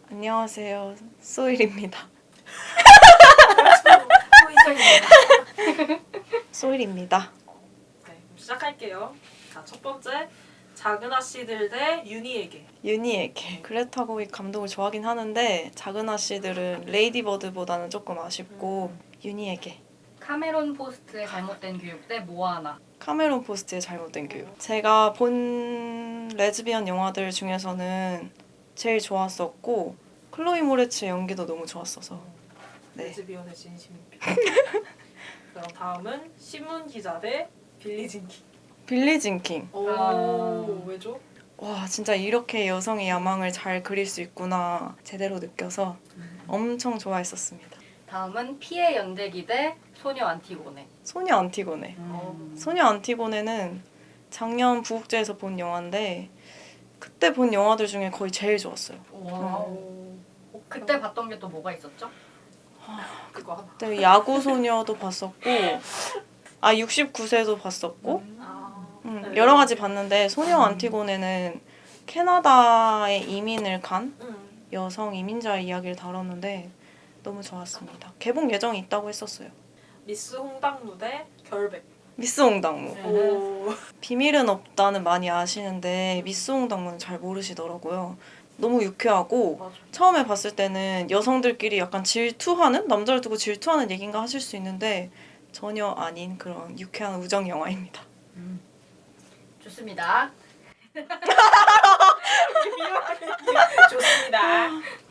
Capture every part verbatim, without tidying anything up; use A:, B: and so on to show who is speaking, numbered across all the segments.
A: 안녕하세요. 소일입니다.
B: 소희정입니다.
A: 소일입니다.
B: 네, 그럼 시작할게요. 자, 첫 번째 작은 아씨들 대 유니에게.
A: 유니에게 그레타 거윅 감독을 좋아하긴 하는데 작은 아씨들은 레이디버드보다는 조금 아쉽고
B: 음.
A: 유니에게
C: 카메론 포스트의 잘못된 교육 대 모아나.
A: 카메론 포스트의 잘못된 교육. 제가 본 레즈비언 영화들 중에서는 제일 좋았었고 클로이 모레츠의 연기도 너무 좋았어서 네.
B: 레즈비언의 진심입니다. 그럼 다음은 신문 기자 대 빌리 진킹.
A: 빌리 진킹.
B: 오,
C: 아.
B: 왜죠?
A: 와 진짜 이렇게 여성의 야망을 잘 그릴 수 있구나 제대로 느껴서 엄청 좋아했었습니다.
C: 다음은 피해 연대기 대 소녀 안티고네.
A: 소녀 안티고네.
C: 음.
A: 소녀 안티고네는 작년 부국제에서 본 영화인데 그때 본 영화들 중에 거의 제일 좋았어요.
C: 와.
B: 오,
C: 그때 봤던 게 또 뭐가 있었죠?
B: 그거 하나.
A: 그때 야구 소녀도 봤었고 아 육십구 세도 봤었고
B: 아,
A: 음,
B: 네.
A: 여러 가지 봤는데 소녀 안티고네는 캐나다에 이민을 간
B: 음.
A: 여성 이민자의 이야기를 다뤘는데 너무 좋았습니다. 개봉 예정이 있다고 했었어요.
B: 미스 홍당무 대 결백.
A: 미스 홍당무.
C: 네.
B: 오,
A: 비밀은 없다는 많이 아시는데 미스 홍당무는 잘 모르시더라고요. 너무 유쾌하고
B: 맞아.
A: 처음에 봤을 때는 여성들끼리 약간 질투하는? 남자를 두고 질투하는 얘기인가 하실 수 있는데 전혀 아닌 그런 유쾌한 우정 영화입니다.
C: 음. 좋습니다.
B: 좋습니다.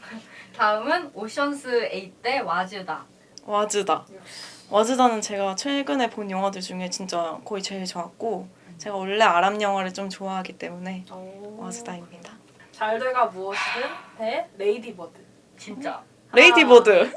C: 다음은 오션스 에잇 대 와즈다.
A: 와즈다.
B: 역시.
A: 와즈다는 제가 최근에 본 영화들 중에 진짜 거의 제일 좋았고 제가 원래 아랍 영화를 좀 좋아하기 때문에
B: 오.
A: 와즈다입니다.
B: 잘 돼가 무엇이든 대 레이디버드.
C: 진짜.
A: 레이디버드.
B: 네?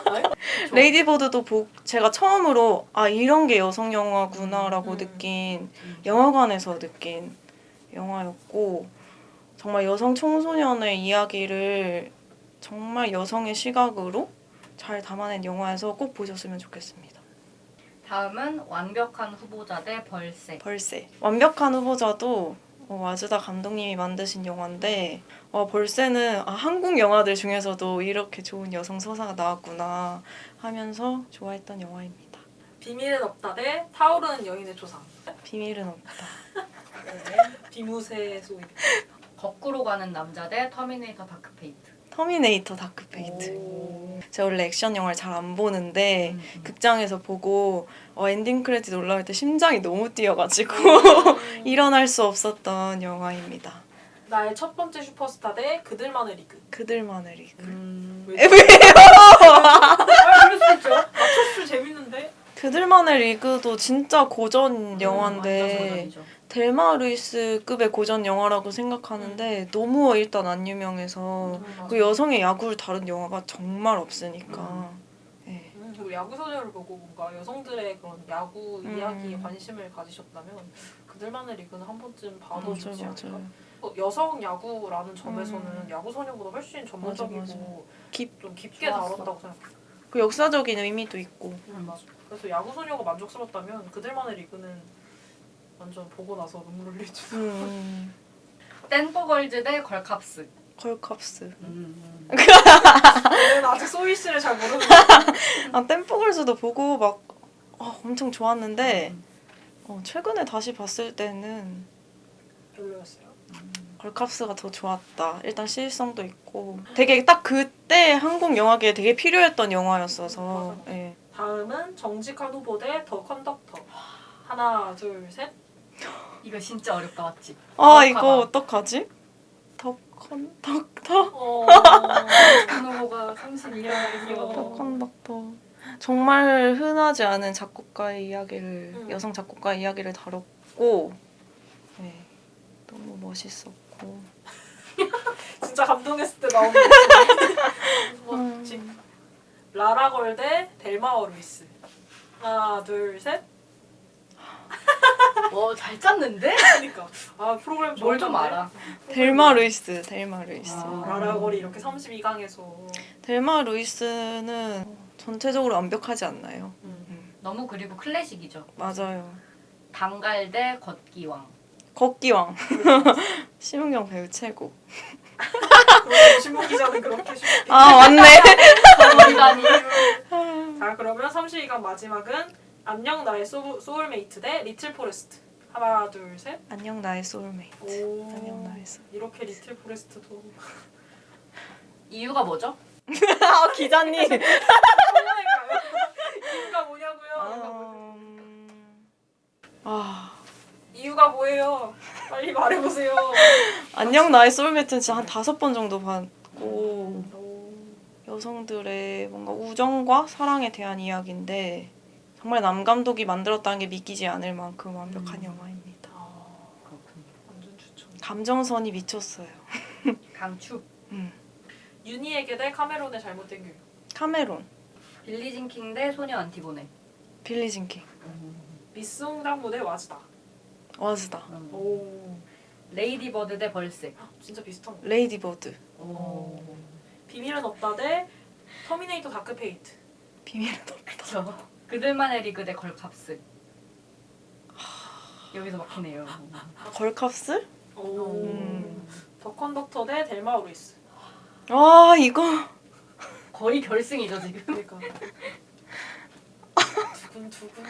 A: 레이디버드도 보, 제가 처음으로 아 이런 게 여성 영화구나라고
B: 음.
A: 느낀 영화관에서 느낀 영화였고 정말 여성 청소년의 이야기를 정말 여성의 시각으로 잘 담아낸 영화여서 꼭 보셨으면 좋겠습니다.
C: 다음은 완벽한 후보자 대 벌새.
A: 벌새. 완벽한 후보자도 어, 와즈다 감독님이 만드신 영화인데 어, 벌새는 아, 한국 영화들 중에서도 이렇게 좋은 여성 서사가 나왔구나 하면서 좋아했던 영화입니다.
B: 비밀은 없다 대 타오르는 여인의 조상.
A: 비밀은 없다.
B: 네. 비무새 소위.
C: 거꾸로 가는 남자 대 터미네이터 다크페이트.
A: 터미네이터 다크페이트.
B: 오.
A: 제가 원래 액션 영화를 잘 안 보는데
C: 음, 음.
A: 극장에서 보고 어, 엔딩 크레딧 올라올 때 심장이 너무 뛰어가지고
B: 음.
A: 일어날 수 없었던 영화입니다.
B: 나의 첫 번째 슈퍼스타 대 그들만의 리그.
A: 그들만의 리그.
C: 음.
B: 왜? 아, 그럴 수 있죠. 맞췄을 재밌는데.
A: 그들만의 리그도 진짜 고전
C: 완전
A: 영화인데
C: 고전이죠.
A: 델마 루이스급의 고전 영화라고 생각하는데 너무 일단 안 유명해서
B: 음,
A: 그 여성의 야구를 다룬 영화가 정말 없으니까 네.
B: 음, 그리고 야구 소녀를 보고 뭔가 여성들의 그런 야구
A: 음.
B: 이야기에 관심을 가지셨다면 그들만의 리그는 한 번쯤 봐도
A: 맞아
B: 좋지
A: 맞아.
B: 않을까? 어, 여성 야구라는 점에서는
A: 음.
B: 야구 소녀보다 훨씬 전문적이고
A: 맞아, 맞아. 깊-
B: 좀 깊게
C: 좋았어.
B: 다뤘다고 생각해.
A: 그 역사적인 의미도 있고
B: 음, 맞아. 그래서 야구 소녀가 만족스럽다면 그들만의 리그는 완전 보고 나서 눈물 흘리죠.
A: 음,
C: 댄버걸즈 대 걸캅스.
A: 걸캅스.
C: 음.
B: 저는 아직 소희 씨를 잘 모르는데.
A: 아 댄포걸스도 보고 막 어, 엄청 좋았는데
C: 음.
A: 어, 최근에 다시 봤을 때는
B: 별로였어요.
A: 걸캅스가 더 좋았다. 일단 시일성도 있고 되게 딱 그때 한국 영화계에 되게 필요했던 영화였어서
B: 맞아.
A: 예.
B: 다음은 정직한 후보 대 더 컨덕터. 하나, 둘, 셋.
C: 이거 진짜 어렵다 맞지?
A: 아
C: 정확하다.
A: 이거 어떡하지? 더컨덕터?
B: 어.
C: 그 후보가 삼십이 년이요.
A: 더컨덕터 정말 흔하지 않은 작곡가의 이야기를
B: 음.
A: 여성 작곡가의 이야기를 다뤘고 네. 너무 멋있었고
B: 진짜 감동했을 때 나오는 목소리.
A: 음.
B: 멋지. 라라걸 대 델마어 루이스. 하나, 둘, 셋.
C: 와잘 짰는데?
B: 그러니까 아 프로그램
C: 뭘 좀
B: 좋았는데?
C: 알아.
A: 델마 루이스 델마 루이스
C: 아.
B: 라라걸이 이렇게 삼십이 강에서
A: 델마 루이스는 전체적으로 완벽하지 않나요?
B: 음.
C: 너무 그리고 클래식이죠.
A: 맞아요.
C: 단갈 대 걷기왕.
A: 걷기왕. 심은경 배우 최고.
B: 그런 신문 기자는 그렇게
A: 아 맞네.
C: 거리다니.
B: 자 그러면 삼십이 강 마지막은 안녕 나의 소, 소울메이트 대 리틀 포레스트. 하나 둘 셋.
A: 안녕 나의 소울메이트.
B: 오.
A: 안녕 나의 소울.
B: 이렇게 리틀 포레스트도
C: 이유가 뭐죠?
A: 아 기자님.
B: 이유가 뭐냐고요?
A: 아, 아
B: 이유가 뭐예요? 빨리 말해보세요.
A: 안녕 나의 소울메이트는 진짜 한 다섯 번 정도 봤고
B: 오.
A: 여성들의 뭔가 우정과 사랑에 대한 이야기인데 정말 남 감독이 만들었다는 게 믿기지 않을 만큼 완벽한
C: 음.
A: 영화입니다.
B: 아,
C: 그렇군요.
B: 완전 추천.
A: 감정선이 미쳤어요.
C: 강추.
A: 음.
B: 윤희에게 대 카메론의 잘못된 교육.
A: 카메론,
C: 빌리 진킹 대 소녀 안티고네.
A: 빌리 진킹,
B: 미스 홍장무 대 와즈다.
A: 와즈다,
C: 음.
B: 오,
C: 레이디 버드 대 벌색.
B: 진짜 비슷한 거.
A: 레이디 버드,
C: 오.
B: 비밀은 없다 대 터미네이터 다크페이트.
A: 비밀은 없다.
C: 그쵸. 그들만의 리그 대 걸캅스. 여기서 막히네요.
A: 걸캅스?
B: 오.
A: 음.
B: 더 컨덕터 대 델마 오리스.
A: 아 이거
C: 거의 결승이죠 지금.
B: 그러니까. 두근두근.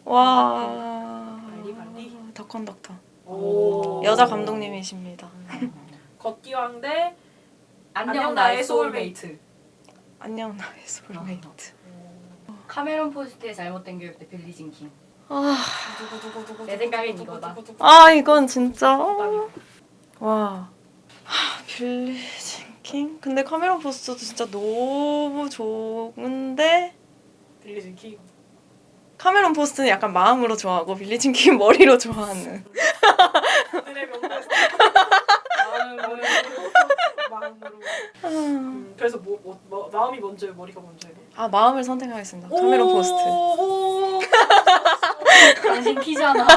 A: 와
B: 빨리, 빨리.
A: 더 컨덕터
B: 오.
A: 여자 감독님이십니다.
B: 걷기왕 대
C: 안녕 나의 소울메이트.
A: 안녕 나의 소울메이트.
C: 카메론 포스트의 잘못된 교육 대 빌리 진킹.
A: 아,
C: 내 생각엔 이거다.
A: 아 이건 진짜 와 하, 빌리 진킹? 근데 카메론 포스터도 진짜 너무 좋은데
B: 빌리 진킹.
A: 카메론 포스트는 약간 마음으로 좋아하고 빌리 진킹 머리로 좋아하는.
B: 그들의 명대사. 마음으로. 마음으로.
A: 아,
B: 음, 그래서 뭐, 뭐, 뭐 마음이 먼저예요, 머리가 먼저예요?
A: 아 마음을 선택하겠습니다. 카메론 포스트.
B: 오~
C: 당신 키잖아.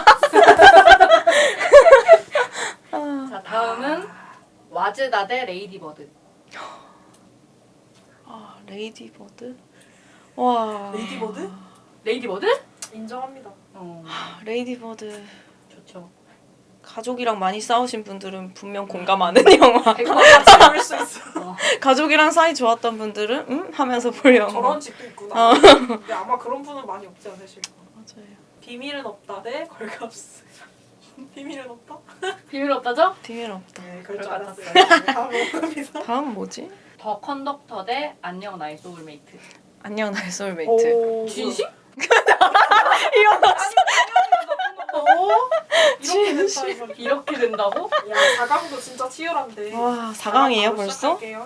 A: 아,
C: 자 다음은 와즈다 대 레이디 버드.
A: 아 레이디 버드? 와
B: 레이디 버드?
C: 레이디 버드?
B: 인정합니다.
C: 어
A: 레이디 버드
C: 좋죠.
A: 가족이랑 많이 싸우신 분들은 분명 공감하는 영화.
C: 백 퍼센트
B: 볼 수 있어.
C: 어.
A: 가족이랑 사이 좋았던 분들은 음? 하면서 볼 영화.
B: 저런 집도 있구나.
A: 어.
B: 근데 아마 그런 분은 많이 없지 않으실까.
A: 맞아요.
B: 비밀은 없다 대 걸캅스. 비밀은 없다?
C: 비밀 없다죠?
A: 비밀 없다.
B: 네, 그럴
C: 그럴
B: 줄
C: 것
B: 알았어요. 네, 다음은
A: 다음 뭐지?
C: 더 컨덕터 대 안녕 나의 소울메이트.
A: 안녕 나의 소울메이트.
B: 오,
C: 진심?
A: 일어났어.
B: 어? 이렇게 됐다 이거.
C: 이렇게 된다고?
B: 야, 사 강도 진짜 치열한데.
A: 와 사 강이에요
B: 바로
A: 벌써?
B: 시작할게요.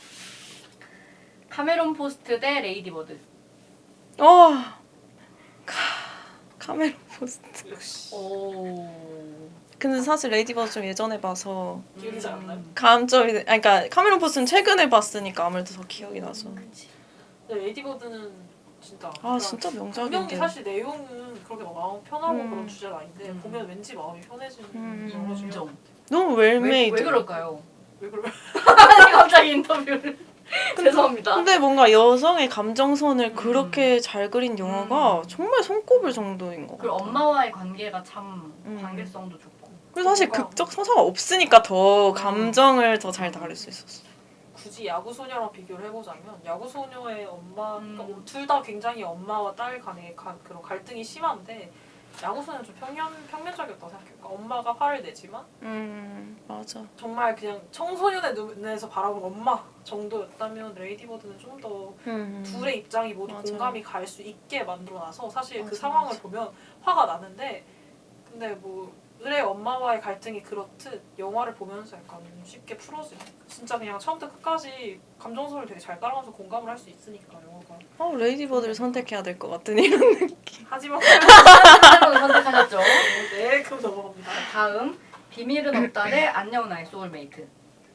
C: 카메론 포스트 대 레이디 버드.
A: 어. 카 카메론 포스트.
B: 역시.
C: 오.
A: 근데 사실 레이디버드 좀 예전에 봐서
B: 기억이지 않나요?
A: 감점이 돼- 아니 그러니까 카메론 포스트는 최근에 봤으니까 아무래도 더 기억이 나서.
C: 그치.
B: 근데 레이디버드는 진짜.
A: 아 진짜
B: 분명히
A: 명작인데.
B: 사실 내용은 그렇게 막 마음 편하고
A: 음.
B: 그런 주제는 아닌데
C: 음.
B: 보면 왠지 마음이 편해지는
A: 음.
B: 영화 중에
C: 인정.
A: 너무
C: 왜,
A: 웰메이드.
C: 왜 그럴까요?
B: 왜 그래?
C: 아니 갑자기 인터뷰를. 죄송합니다.
A: 근데 뭔가 여성의 감정선을
C: 음.
A: 그렇게 잘 그린 영화가
C: 음.
A: 정말 손꼽을 정도인 것
C: 그리고
A: 같아요.
C: 엄마와의 관계가 참
A: 음.
C: 관계성도 좋고.
A: 그리고 사실
B: 뭔가-
A: 극적 서사가 없으니까 더
C: 음.
A: 감정을 더 잘 다룰 수 있었어.
B: 굳이 야구 소녀랑 비교를 해보자면 야구 소녀의 엄마
C: 음.
B: 그러니까 둘 다 굉장히 엄마와 딸 간의 가, 그런 갈등이 심한데 야구 소녀는 좀 평면 평면적이었다고 생각해요. 그러니까 엄마가 화를 내지만
A: 음 맞아.
B: 정말 그냥 청소년의 눈에서 바라본 엄마 정도였다면 레이디버드는 좀 더
A: 음.
B: 둘의 입장이 모두
A: 맞아.
B: 공감이 갈 수 있게 만들어놔서 사실 그
A: 맞아,
B: 상황을
A: 맞아.
B: 보면 화가 나는데 근데 뭐 을의 엄마와의 갈등이 그렇듯 영화를 보면서 약간 쉽게 풀어지는 진짜 그냥 처음부터 끝까지 감정선을 되게 잘 따라가면서 공감을 할 수 있으니까 영화가
A: 어 레이디버드를 선택해야 될 것 같은 이런 느낌.
B: 하지만
C: 카메론을 선택하셨죠.
B: 네 그럼 넘어갑니다.
C: 다음 비밀은 없다 대 안녕 나의 소울메이트.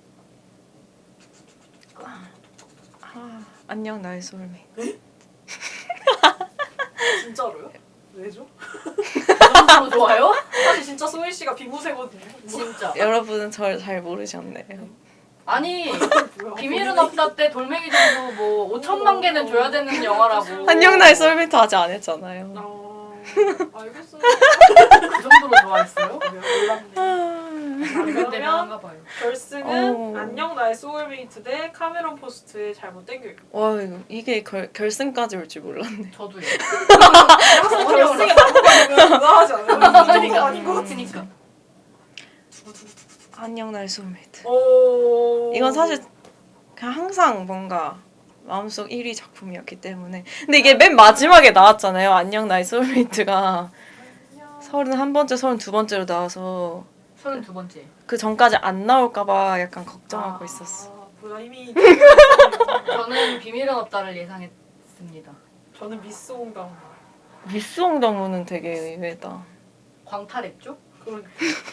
A: 아, 안녕 나의 소울메이트.
B: 진짜로요? 왜죠?
C: 그 정도로 좋아요?
B: 사실 진짜 소희 씨가 비무새거든요.
C: 진짜.
A: 여러분은 저를 잘 모르셨네요.
C: 아니
B: 뭐야,
C: 비밀은
B: 본인이-
C: 없다 때 돌멩이 정도 뭐 오천만 개는 줘야 되는 영화라고.
A: 안녕 나의 소울메이트 아직 안 했잖아요.
B: 아 알겠어요.
C: 그 정도로 좋아했어요?
B: 몰랐네.
A: 아,
C: 그런 대단한가 봐요.
B: 결승은
A: 어.
B: 안녕 나의 소울메이트 대 카메론 포스트의 잘못된 교육.
A: 와 이거 이게 결, 결승까지 올 줄 몰랐네.
C: 저도요.
B: 결승에 나무가 되면 무난하지 않아요? 이 정도
C: 그러니까
B: 아닌 것 같은데.
C: 그니까.
A: 안녕 나의 소울메이트.
B: 오.
A: 이건 사실 그냥 항상 뭔가 마음속 일 위 작품이었기 때문에. 근데 이게 맨 마지막에 나왔잖아요. 안녕 나의 소울메이트가 서른한 번째, 서른두 번째로 나와서
C: 서른두 번째.
A: 그 전까지 안 나올까봐 약간 걱정하고
B: 아,
A: 있었어.
B: 뭐야 이미
C: 저는 비밀은 없다를 예상했습니다.
B: 저는 미스 홍당.
A: 미스 홍당무는 되게 의외다.
C: 광탈했죠?
B: 그러니까.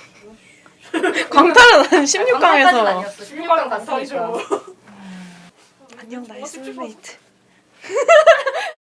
A: 광탈은 한 십육 강에서
C: 아니었어. 십육 강 갔으니까.
B: 광탈이죠.
A: 안녕 나의 소울메이트.